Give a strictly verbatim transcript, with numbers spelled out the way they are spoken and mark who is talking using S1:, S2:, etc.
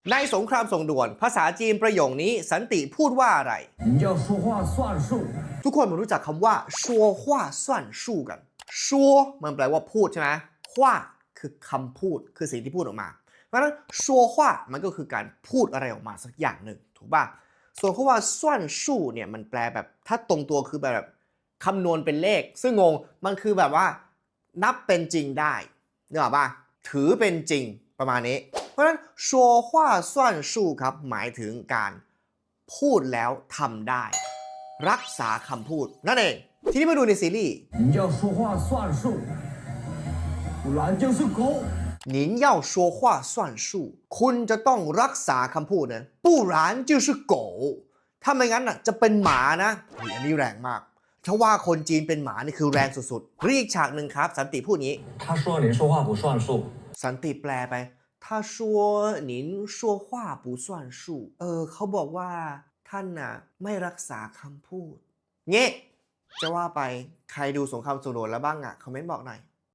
S1: ในสงครามส่งด่วนภาษาจีนประโยคนี้สันติพูดว่าอะไรทุกคนมันรู้จักคำว่าชัวว่าส่วนสู้กันชัวมันแปลว่าพูดใช่ไหมว่าคือคำพูดคือสิ่งที่พูดออกมาเพราะฉะนั้นชัวว่ามันก็คือการพูดอะไรออกมาสักอย่างหนึ่งถูกป่ะส่วนคำว่าส่วนสู้เนี่ยมันแปลแบบถ้าตรงตัวคือแบบคำนวณเป็นเลขซึ่งงงมันคือแบบว่านับเป็นจริงได้นึกออกป่ะถือเป็นจริงประมาณนี้เพราะฉะนั้นชัวว่าส่วนสู้ครับหมายถึงการพูดแล้วทำได้รักษาคำพูดนั่นเองทีนี้มาดูในซีรีส์你要说话算数不然就是狗您要说话算数คุณจะต้องรักษาคำพูดนะ不然就是狗ถ้าไม่งั้นน่ะจะเป็นหมานะอันนี้แรงมากถ้าว่าคนจีนเป็นหมานี่คือแรงสุดๆเรียกฉากหนึ่งครับสันติพูดงี้他说您说话不算数สันติแปลไป他说您说话不算数เออเขาบอกว่าท่านน่ะไม่รักษาคำพูดเงี้จะว่าไปใครดูสงครามส่งด่วนแล้วบ้างอ่ะคอมเมนต์บอกหน่อย